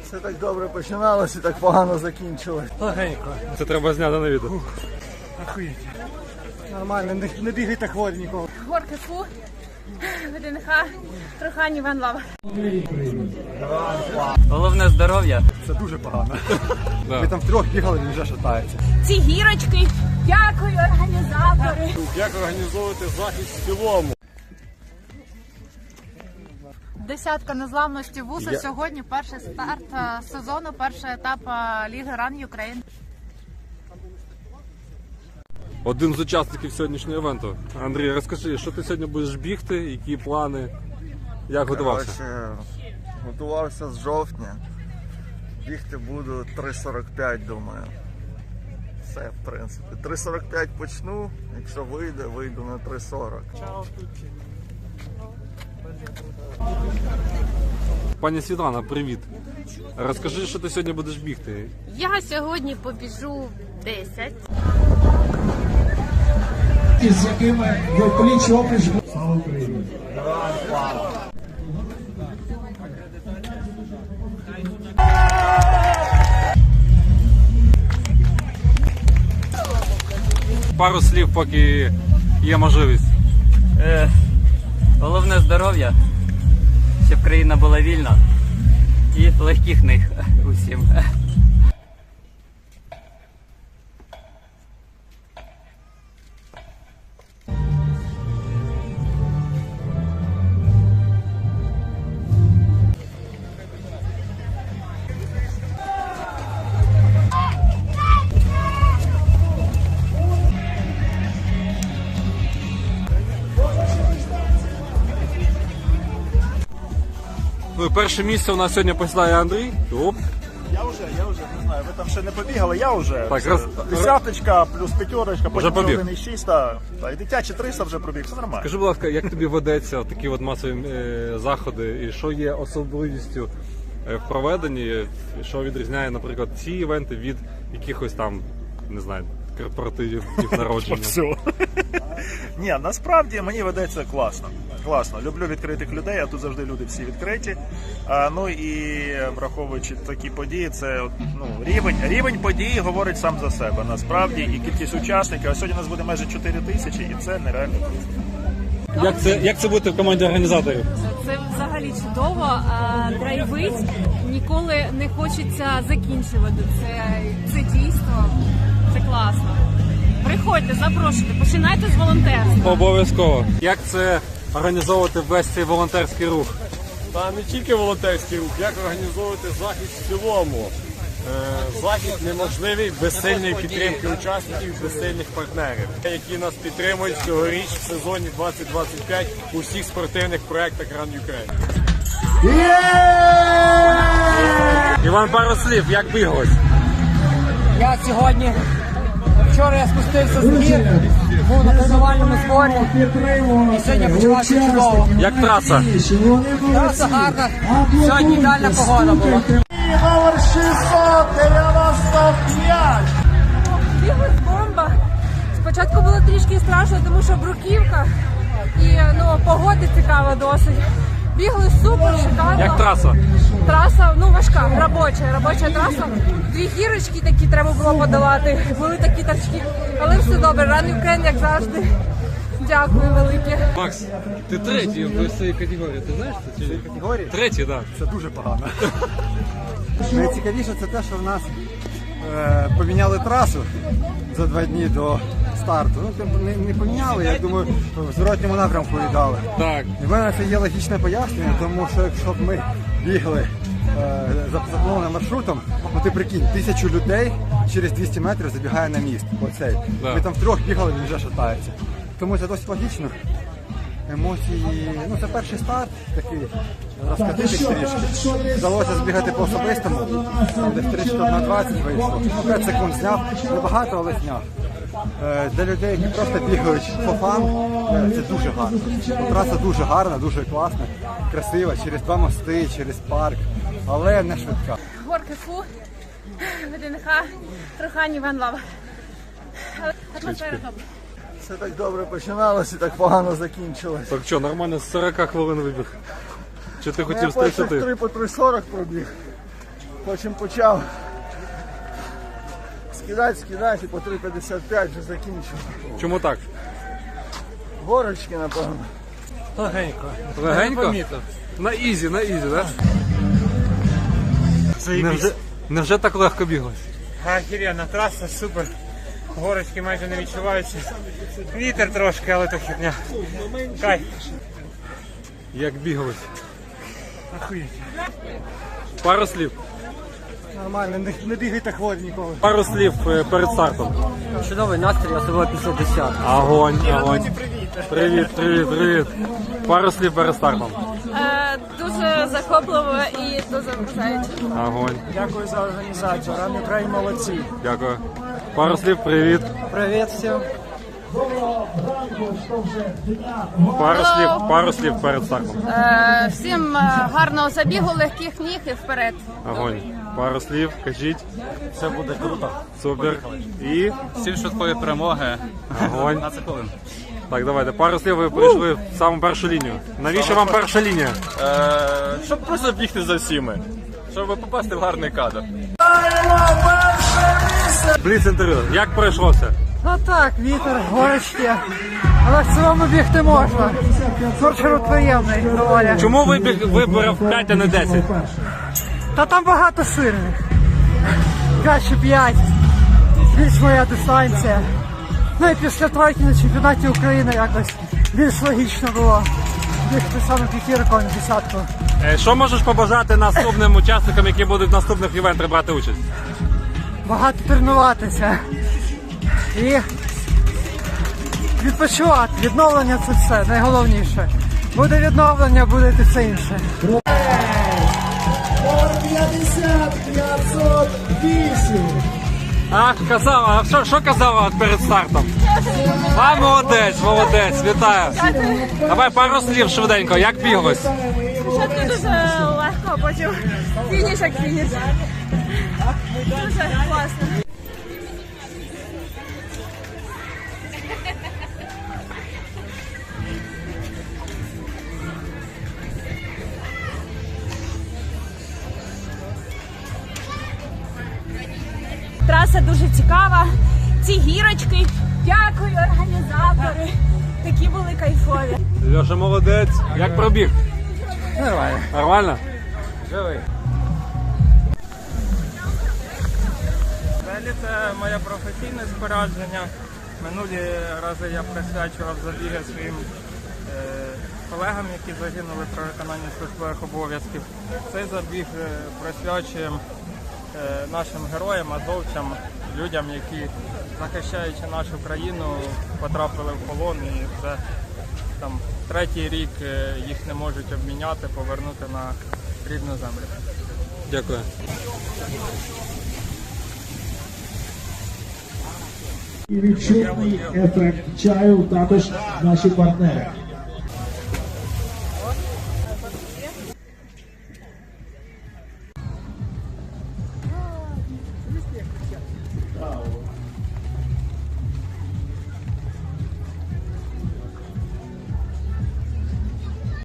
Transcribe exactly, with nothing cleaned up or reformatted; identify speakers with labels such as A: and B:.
A: Все так добре починалося і так погано закінчилось.
B: Легенько.
C: Це треба зняти на відео.
B: Ахуєть. Нормально, не, не бігайте хворі нікого.
D: Горки фу, ВДНХ, Трухань, Іван Лава.
E: Головне здоров'я.
A: Це дуже погано.
C: Да.
A: Ми там втрьох бігали, він вже шатається.
D: Ці гірочки, дякую, організатори.
C: Як організовувати захід в цілому?
F: Десятка незламності вуса.
C: Я-
F: Сьогодні перший старт е, сезону, перший етап е, Ліги Run Ukraine.
C: Один з учасників сьогоднішнього івенту. Андрій, розкажи, що ти сьогодні будеш бігти, які плани, як готувався?
A: Коротше, готувався з жовтня. Бігти буду три сорок п'ять, думаю. Все, в принципі. три сорок п'ять почну, якщо вийде, вийду на три сорок.
C: Пані Світлана, привіт. Розкажи, що ти сьогодні будеш бігти.
D: Я сьогодні побіжу десять.
G: З якими ви пліч-опліч. Слава Україні!
C: Пару слів, поки є можливість.
E: Е, головне здоров'я, щоб країна була вільна і легких них усім.
C: Ну і перше місце у нас сьогодні посідає Андрій. Оп.
H: Я вже, я вже не знаю, ви там ще не побігали, я вже.
C: Так,
H: Все.
C: раз-
H: Десяточка плюс п'ятерочка, потім
C: побіг.
H: один і шість, та, та, і дитячі триста вже пробіг, все нормально.
C: Скажи, будь ласка, як тобі ведеться такі от масові е, заходи, і що є особливістю е, в проведенні, і що відрізняє, наприклад, ці івенти від якихось там, не знаю, корпоративів, днів народження?
H: Все. Ні, насправді мені ведеться класно. Класно. Люблю відкритих людей, а тут завжди люди всі відкриті. А, ну і враховуючи такі події, це ну, рівень, рівень події говорить сам за себе. Насправді і кількість учасників. А сьогодні у нас буде майже чотири тисячі, і це нереально круто.
C: Як це, як це бути в команді організаторів?
D: Це взагалі чудово. А, драйвить ніколи не хочеться закінчувати. Це, це дійство, це класно. Приходьте, запрошуйте, починайте з волонтерства.
C: Обов'язково. Як це організовувати весь цей волонтерський рух?
I: Та не тільки волонтерський рух, як організовувати захід в цілому. Е, захід неможливий без сильної підтримки учасників, без сильних партнерів, які нас підтримують цьогоріч в сезоні двадцять двадцять п'ять у всіх спортивних проєктах Run Ukraine.
C: Іван, пару слів, як бігалось?
J: Я сьогодні, вчора я спустився з гір, був на тренувальному зборі, і сьогодні почувався чудово.
C: Як траса?
J: Траса гарна, сьогодні ідеальна погода була.
H: Номер шістсот дев'яносто п'ять!
D: Бігли з бомба. Спочатку було трішки страшно, тому що бруківка і ну, погода цікава досить. Бігли супер, шикарно.
C: Як траса?
D: Траса, ну важка, робоча, робоча траса. Дві гірочки такі треба було подолати, були такі торчки, але все добре. Run Ukraine, як завжди. Дякую велике.
C: Макс, ти третій в своїй категорії, ти знаєш це? Чи ні?
A: Категорії?
C: Третій, так.
A: Це дуже погано. Найцікавіше це те, що в нас е, поміняли трасу за два дні до старту. Ну, типу, не, не поміняли, я думаю, в зворотньому напрямку віддали.
C: Так.
A: І в мене це є логічне пояснення, тому що якщо б ми бігли е, за запланованим маршрутом, ну ти прикинь, тисячу людей через двісті метрів забігає на міст. Оцей.
C: Да.
A: Ми там втрьох бігали, він вже шатається. Тому це досить логічно. Емоції, ну це перший старт, такий розкатитись трішки. Вдалося збігати по особистому, там десь тридцять на двадцять вийшло. п'ять секунд зняв, небагато, але зняв. Е, Для людей, які просто бігають по фан, е, це дуже гарно. Траса дуже гарна, дуже класна, красива, через два мости, через парк, але не швидка.
D: Горки фу, ВДНХ, Трухань, Іван Лава. Атмосфера добра.
A: Все так добре починалося і так погано закінчилось.
C: Так що, нормально з сорока хвилин вибіг? Чи ти
A: Ну,
C: хотів
A: я
C: з
A: перших
C: тридцяти?
A: три по три сорок пробіг.
B: Потім почав скидати, скидати, і по три п'ятдесят п'ять вже закінчив.
C: Чому так?
B: Горочки, напевно.
I: Легенько.
C: Легенько? На ізі, на ізі, так? Невже, невже так легко біглось?
J: Охеренна траса, супер. Горочки майже не відчуваються. Вітер трошки, але то херня. Кайф.
C: Як біглось?
B: Ахуєть.
C: Пару слів.
B: Нормально, не, не бігайте хворі ніколи.
C: Пару слів е, перед стартом.
J: Чудовий настрій, особливо після десятки.
C: Огонь, огонь. Привіт, привіт, привіт. Пару слів перед стартом.
D: Е, дуже захопливо і дуже вражаюче.
C: Огонь.
B: Дякую за організацію. Ран Україн молодці.
C: Дякую. Пару слів, привіт.
B: Привіт всім.
C: Пару слів, пару слів перед стартом.
F: Е, всім е, гарного забігу, легких ніг і вперед.
C: Огонь. Пару слів, кажіть.
I: Все буде круто.
C: Супер. І
E: Всім швидкої перемоги.
C: огонь.
E: На це хвилин.
C: Так, давайте. Пару слів ви прийшли в саму першу лінію. Навіщо вам перша лінія?
I: Е, щоб просто бігти за всіми. Щоб попасти в гарний кадр.
C: Бліц інтерв'ю. Як пройшлося?
J: Ну так, вітер, горочки. Але в цілому бігти можна. Маршрут приємний доволі.
C: Чому вибіг виборів п'ять, а не десять?
J: Та там багато сильних. Краще п'ять. Більш моя дистанція. Ну і після тройки на чемпіонаті України якось більш логічно було бігти саме п'ятірку, а не десятку.
C: Е, Що можеш побажати наступним учасникам, які будуть в наступних івентах брати участь?
J: Багато тренуватися. І відпочивати. Відновлення це все, найголовніше. Буде відновлення, буде і все інше.
G: п'ятдесят п'ятсот вісім.
C: А, казав, а що, що казала перед стартом? А, молодець, молодець, вітаю. Давай пару слів швиденько, як біглось?
D: Спочатку дуже легко, а потім фініш як фініш. Дуже класно. Траса дуже цікава. Ці гірочки. Дякую, організатори. Такі були кайфові.
C: Льоша молодець. Як пробіг?
J: Нормально.
C: Нормально?
J: Живий.
K: Взагалі це моє професійне спорядження. Минулі рази я присвячував забіги своїм е, колегам, які загинули при виконанні службових обов'язків. Цей забіг е, присвячуємо е, нашим героям, азовцям, людям, які, захищаючи нашу країну, потрапили в полон і вже там третій рік е, їх не можуть обміняти, повернути на рідну землю.
C: Дякую.
G: І відчутний ефект чаю також наші партнери.